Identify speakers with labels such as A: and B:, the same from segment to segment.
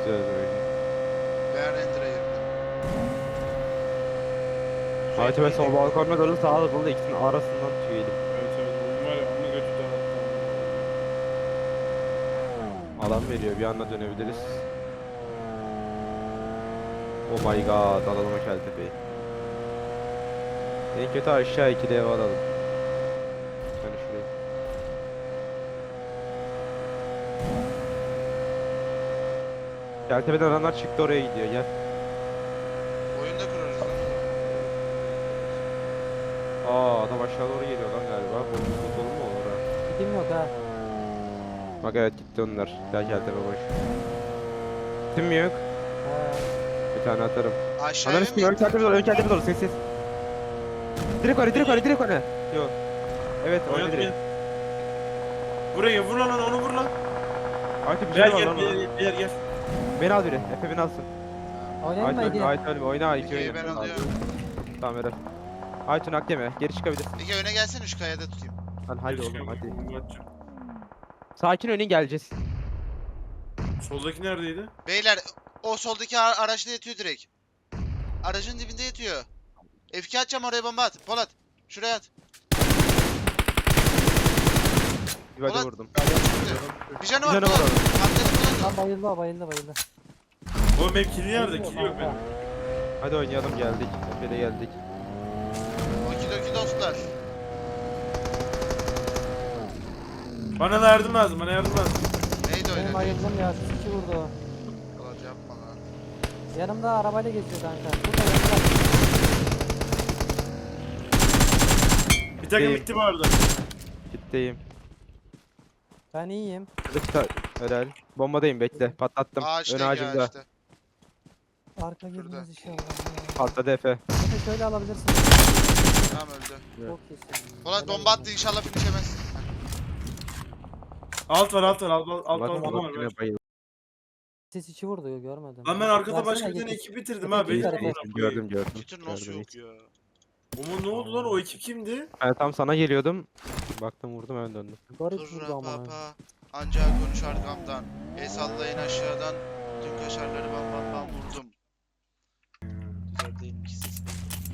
A: güzel oyun.
B: Ben render'a girdim.
A: Aytu ben sol balkonuna doğru sağa dolu ikisinin arasından tüyelim.
C: Evet evet oyun var ya amma götü dağıttı.
A: Alan veriyor bir anda dönebiliriz. Oh my god alalım o Keltepe'yi. En kötü aşağı 2 ev alalım. Yani şurayı. Keltepe'den adamlar çıktı oraya gidiyor gel.
B: Oyunda kurarız lan.
A: Adam aşağı doğru geliyor lan galiba. Bu dolu mu olur ha?
D: Gidim yok ha.
A: Bak evet gitti onlar. Gel Keltepe boş. Kim mi yok?
D: He.
A: Bir tane atarım.
B: Aşağıya
A: Ananı
B: mı
A: sikeyim ön
B: gitti?
A: Keltepe doğru ön Keltepe doğru ses. Direkt öne direkt öne direkt öne. Yok. Evet oyna
C: Oynadı
A: direkt.
C: beni. Buraya vur lan onu vur lan.
A: Aytu bir
C: Gel
A: şey var
C: gel
A: lan ona.
C: gel.
A: Beni al biri. Efe beni alsın.
D: Oynayayım mı
A: Aytu
D: Ege?
A: Aytu oyna iki
B: Ege'yi
A: oyna.
B: ben alıyorum.
A: Tamam Eren. Aytu nak yeme. Geri çıkabilir.
B: Ege öne gelsene şu kayada tutayım.
A: Lan hadi oğlum hadi.
C: Hadi.
A: Sakin oynayın geleceğiz.
C: Soldaki neredeydi?
B: Beyler o soldaki araçta yatıyor direkt. Aracın dibinde yatıyor. F2 atacağım oraya bomba at. Polat. Şuraya at.
A: Bir hadi
B: Ulan-
A: vurdum.
B: Bir canı
A: Bir
B: var
A: canı
B: Polat.
A: var onun.
B: Arkada
D: Lan
B: Polat.
D: bayıldı.
C: Oğlum benim kili nerede? Kili yok benim.
A: Hadi oynayalım geldik. Efe'de geldik.
B: Okidoki dostlar.
C: Bana da yardım lazım bana yardım lazım.
B: Neydi
D: Benim
B: oynadı?
D: bayıldım ya. Siz iki vurdu.
B: Polat yapma lan.
D: Yanımda arabayla geziyor kanka. Burada yanımda.
C: Bir takım
A: Değil.
C: bitti bu arada.
A: Gitteyim.
D: Ben iyiyim.
A: Lütfen. Helal. Bombadayım bekle. Patlattım. Ön
B: Ağaçta
A: ağacımda.
B: ağaçta.
D: Arka girmez inşallah. Ya.
A: Patladı Efe.
D: Efe şöyle alabilirsin.
B: Tamam öldü.
D: Çok iyisin.
B: Polat
D: Helal
B: bomba
D: olsun.
B: attı inşallah finişemez.
C: Alt var alt
A: Bak
C: bomba var.
A: yine bayıldı.
D: Ses içi vurdu görmedim.
C: Lan ben arkada
D: Versene
C: başka bir tane
D: Ege.
C: ekip bitirdim
D: Ege,
C: ha.
D: iki
C: Beni
D: tarafa.
A: Gördüm gördüm.
B: Twitter nasıl
A: Gördüm.
B: yok ya?
C: Oğlum ne oldu lan o ekip kimdi?
A: Ben tam sana geliyordum. Baktım vurdum hemen döndüm.
D: Garip vurdu
B: Turra
D: ama.
B: papa. Ancak konuş arkamdan. El sallayın aşağıdan. Tüm kaşarları bam vurdum. Güzel değil mi ki ses?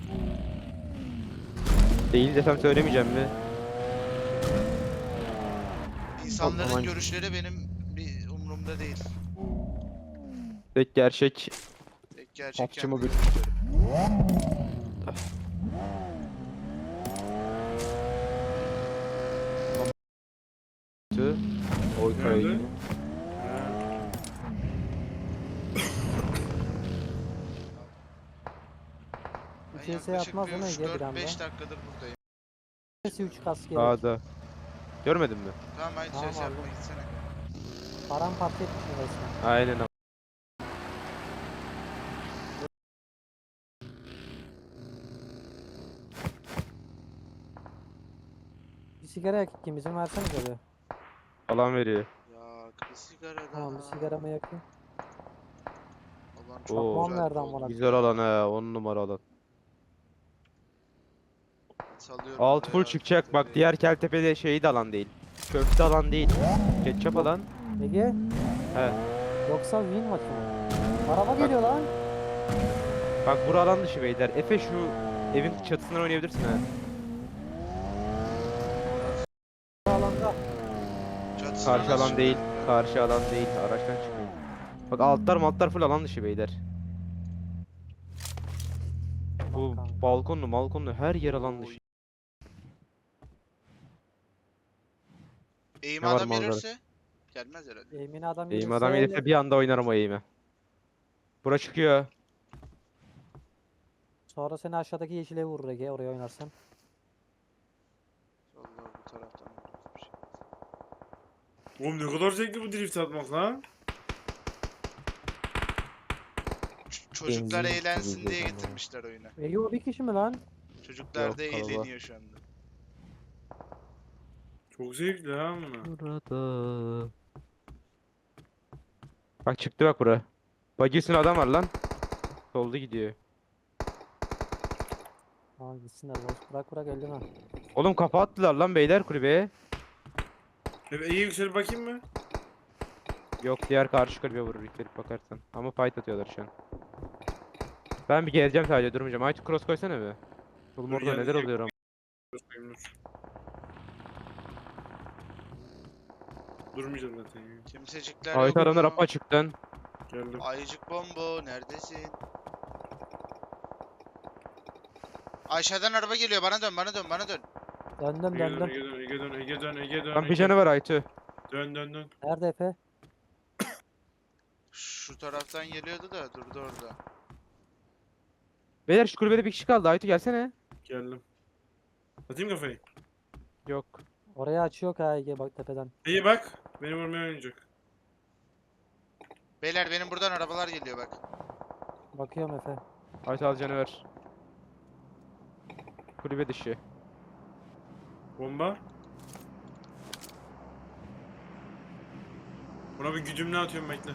A: Değil desem söylemeyeceğim mi?
B: İnsanların
A: Aman.
B: görüşleri benim bir umurumda değil.
A: Tek gerçek.
B: Tek gerçek
A: Popçu mu
B: kendi
A: bir-
B: görüşlerim.
A: Oy
C: Nerede?
A: kaydı.
B: Ben
D: CS
B: yaklaşık
D: atmaz değil mi Ege bir
B: 4-5
D: anda?
B: dakikadır buradayım.
D: Sesi 3 kas gelir.
A: Sağda. Görmedin mi?
B: Tamam haydi
D: Tamam
B: ses
D: abi.
B: yapma gitsene.
D: Paramparça etmişim resmen.
A: Aynen ama.
D: Bir sigara yak ikimizin versene tabi.
A: Alan veriyor.
B: Ya bir sigara daha.
D: Tamam bir sigaramı yakayım.
B: Allah'ım
A: Oo.
B: çok
D: Çakmağım
B: güzel
D: nereden
B: oldu.
D: bana?
A: Güzel alan he. 10 numara alan.
B: Salıyorum
A: Alt full
B: ya,
A: çıkacak. Bak
B: tabii.
A: diğer Keltepe'de şeyi de alan değil. Köfte alan değil. Ketçap alan.
D: Ege?
A: He.
D: Yoksa win maçı mı? Araba geliyor lan.
A: Bak bura alan dışı beyler. Efe şu evin çatısından oynayabilirsin ha.
D: Alanda.
B: Çatısına
A: Karşı
B: nasıl
A: alan değil.
B: çıkıyorum ya?
A: Karşı alan değil. Araçtan çıkmayın. Bak altlar full alan dışı beyler. Bu
D: Kanka.
A: balkonlu her yer alan dışı.
B: Eğim
A: Ne var
B: adam
A: manzara?
B: gelirse gelmez herhalde.
D: Emin adam
A: Eğim
D: gelirse
A: adam gelirse bir anda oynarım o eğimi. Bura çıkıyor.
D: Sonra seni aşağıdaki yeşile vurur Ege oraya oynarsan.
B: Vallahi bu taraftan bir şey.
C: Oğlum ne kadar zevkli bu drift atmak lan.
B: Çocuklar
A: Benzin
B: eğlensin
A: gibi
B: diye
A: ama.
B: getirmişler oyunu.
D: Ege o bir kişi mi lan?
B: Çocuklar
A: Yok,
B: da
A: kalabalık.
B: eğleniyor şu anda.
C: Çok zevkli ha bunu.
A: Burada. Bak çıktı bak bura. Buggy üstünde adam var lan. Solda gidiyor.
D: Tamam gitsinler boş. Bırak elleme.
A: Oğlum kafa attılar lan beyler kulübeye.
C: İyi yükselip bakayım mı?
A: Yok, diğer karşı kulübe vurur ilk bakarsan. Ama fight atıyorlar şu an. Ben bir geleceğim, sadece durmayacağım. Aytu cross koysana bir. Oğlum
C: Dur,
A: orada
C: gel,
A: neler
C: gel.
A: oluyor ama.
C: Durmayacağım zaten ya.
B: Kimsecikler
A: Aytu adamlar
B: yok.
A: apa açıktan.
C: Geldim.
B: Ayıcık bombo neredesin? Aşağıdan araba geliyor, bana dön, bana dön, bana dön.
D: Döndüm
C: Ege dön,
D: döndüm.
C: Ege dön, Ege dön, Ege dön, Ege dön.
A: Lan bir
C: Ege.
A: canı var Aytu.
C: Dön dön dön.
D: Nerede Efe?
B: Şu taraftan geliyordu da durdu orada.
A: Beyler şu kulübede bir kişi kaldı. Aytu gelsene.
C: Geldim. Atayım kafayı.
A: Yok.
D: Oraya açıyor ha Ege bak tepeden.
C: İyi bak. Beni vurmaya oynayacak.
B: Beyler benim buradan arabalar geliyor bak.
D: Bakıyorum Efe.
A: Aytu al canı ver. Kulübe dışı.
C: Bomba. Buna bir güdümle atıyorum bekle.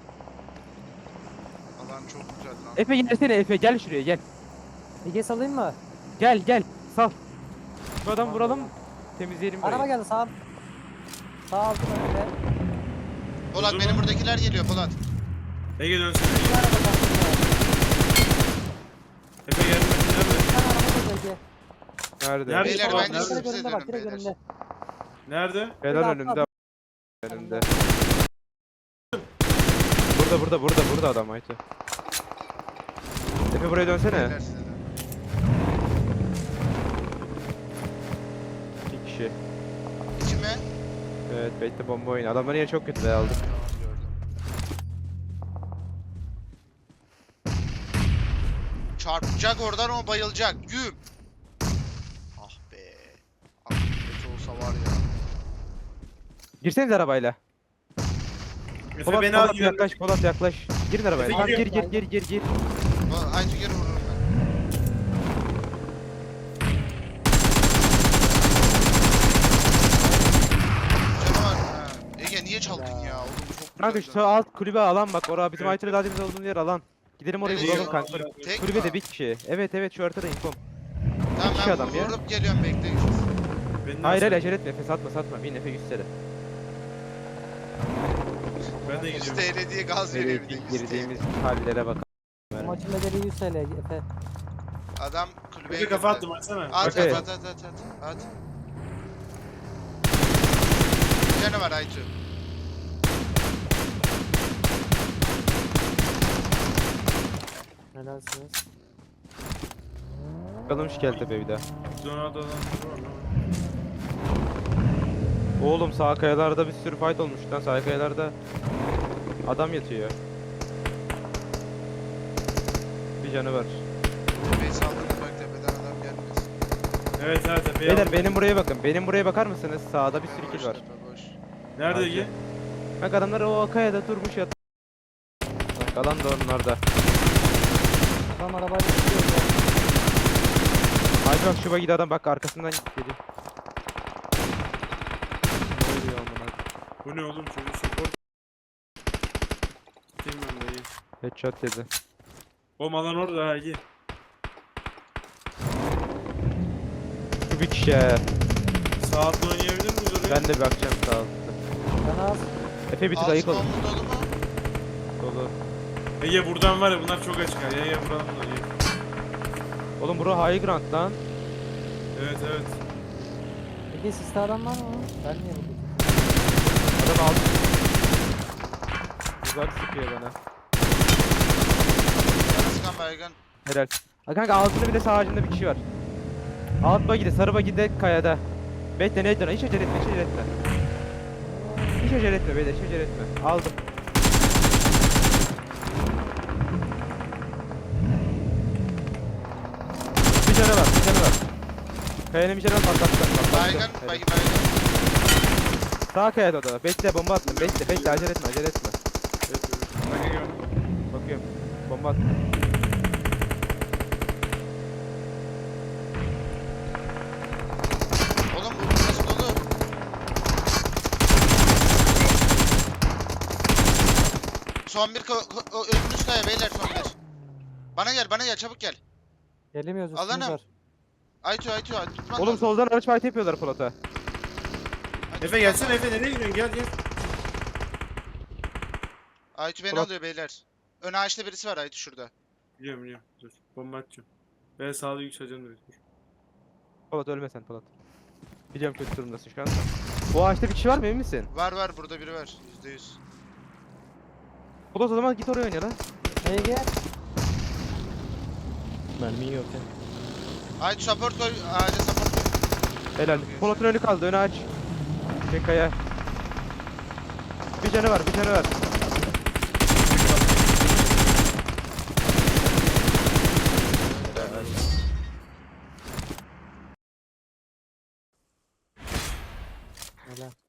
B: Alan çok güzel lan.
A: Efe gelsene Efe, gel şuraya gel.
D: Ege salayım mı?
A: Gel gel. Sal. Şu adamı
D: Tamam,
A: vuralım.
D: tamam.
A: Temizleyelim
D: Araba
A: burayı.
D: geldi sağ. Sağ altı önünde.
B: Polat
C: Durdu
B: benim
C: mu?
B: buradakiler geliyor Polat.
C: Ege dönsene.
D: Bir araba kalktı.
C: Efe geldi. Nerede?
D: Bir tane araba geldi Ege.
A: Nerede?
C: Nerede?
B: Beyler
C: Polat,
B: bence
C: nerede?
B: siz
D: Direkt
B: bize
D: önünde bak
B: dönün
D: direkt
B: beyler.
D: önünde.
C: Nerede?
A: Helal
D: Burada,
A: önünde.
D: atla.
A: Önünde. Burada adam Aytu. Efe buraya dönsene.
B: Beyler size dönün.
A: İki kişi.
B: İçime.
A: Evet, bekle bomba oyunu. Adamların yeri çok kötü be, aldım.
B: Tamam gördüm. Çarpacak oradan, o bayılacak. Güm. Ah be. Ah kötü olsa var ya.
A: Girseniz arabayla.
C: Efe
A: Polat,
C: beni al.
A: Polat yaklaş, Polat yaklaş. Girin arabaya.
C: Efe
A: Tamam,
C: giriyor.
A: gir.
B: Aytu geri vururum ben. Canavar. Ha. Ege niye çaldın ya? Oğlum çok
A: Kanka
B: güzel.
A: şu alt kulübe alan bak. Orada bizim
C: Evet.
A: Aytu'yla daha demin olduğumuz yer alan. Gidelim oraya
B: Nereye
A: vuralım
B: ya?
A: kanka.
B: Tek
A: Kulübede
B: mi?
A: bir kişi. Evet şu haritada infom.
B: Tamam
A: kişi
B: ben
A: adam ya.
B: vurup geliyorum, bekleyin.
C: Beni
A: Hayır
C: nasıl-
A: acele etme Efe, satma. Bin Efe 100 TL.
C: Ben de
B: 100
C: gidiyorum.
B: TL diye gaz
A: Nereye
B: veriyor bir de 100
A: girdiğimiz
B: TL.
A: hallere bak.
D: Bu maçın bedeli 100 TL Efe.
B: Adam kulübeye
C: Efe kafa
B: girdi.
C: attım açsana.
B: At
A: Okey.
B: at. Bir canı var Aytu.
D: Helalsiniz.
A: Bakalım şu Keltepe bir daha.
C: Donato'dan var lan.
A: Oğlum sağ kayalarda bir sürü fight olmuş lan, sağ kayalarda adam yatıyor. Bir canı var.
B: Tepeyi saldırdı bak, tepeden adam gelmesin.
C: Evet Efe.
A: Beyler benim buraya bakın. Benim buraya bakar mısınız? Sağda bir sürü
B: Tepe
A: kill var.
B: boş, tepe boş.
C: Nerede
A: Hadi.
C: Ege?
A: Bak adamlar o kayada durmuş yat. Bak alan da onlarda.
D: Adam arabayla gidiyor.
A: Hadi bak şu bagide adam bak arkasından geliyor. Ne oluyor amına?
C: Bu ne oğlum çocuk support. Gideyim ben de iyi.
A: Headshot dedi.
C: Oğlum alan orada ha Ege.
A: Şu bir kişi he.
C: Sağ altına oynayabilir miyiz oraya?
A: Ben de bir bakacağım sağ altta.
D: Ben az.
A: Efe bir tık
B: Altı
A: ayık olun.
B: bomba dolu mu?
A: Dolu.
C: Ege buradan var ya bunlar çok açık ha. Ege buradan da iyi.
A: Oğlum bura high ground lan.
C: Evet.
D: Ege siste adam var mı? Ben niye buldum?
A: Adam aldı. Uzak sıkıyor bana.
B: Sıkan baygın.
A: Helal. Ha kanka altında bir de sağ ağacında bir kişi var. Alt bagide, sarı bagide kayada. Bekle ne hiç acele etme, hiç acele etme. Hiç acele etme beyler, hiç acele etme. Aldım. Bir canı var. Kayanın bir canı var, patlattı.
B: Baygın,
A: Helal.
B: baygın.
A: Sağ kayada o da. Bekle bomba attım. Bekle acele etme.
C: Evet. Bak Ege.
A: Bakıyorum. Bomba attım.
B: Oğlum bu burası dolu. Son bir önümüz kaya beyler, son bir. Bana gel çabuk gel.
D: Gelemiyoruz üstümüz
B: Alanım.
D: var.
B: Aytu tutman
A: Oğlum
B: lazım.
A: soldan araç fight yapıyorlar Polat'a.
B: Aytu,
C: Efe
B: tutman
C: gelsene
B: lazım.
C: Efe nereye gidiyorsun gel.
B: Aytu beni
A: Polat.
B: alıyor beyler. Ön ağaçta birisi var Aytu şurada.
C: Biliyorum biliyorum. Dur. Bomba atacağım. Ben sağda yükseleceğim direkt. Dur.
A: Polat ölme sen Polat. Biliyorum kötü durumdasın şu an. O ağaçta bir kişi var mı emin misin?
B: Var burada biri var. %100.
A: Polat o zaman git oraya oyna lan.
D: Ege.
E: Mermin yok ya.
B: Aytu support koy. Ağaca support koy.
A: Helal. Polat'ın önü kaldı önü aç. Çek kaya. Bir canı var bir canı var.
D: Helal.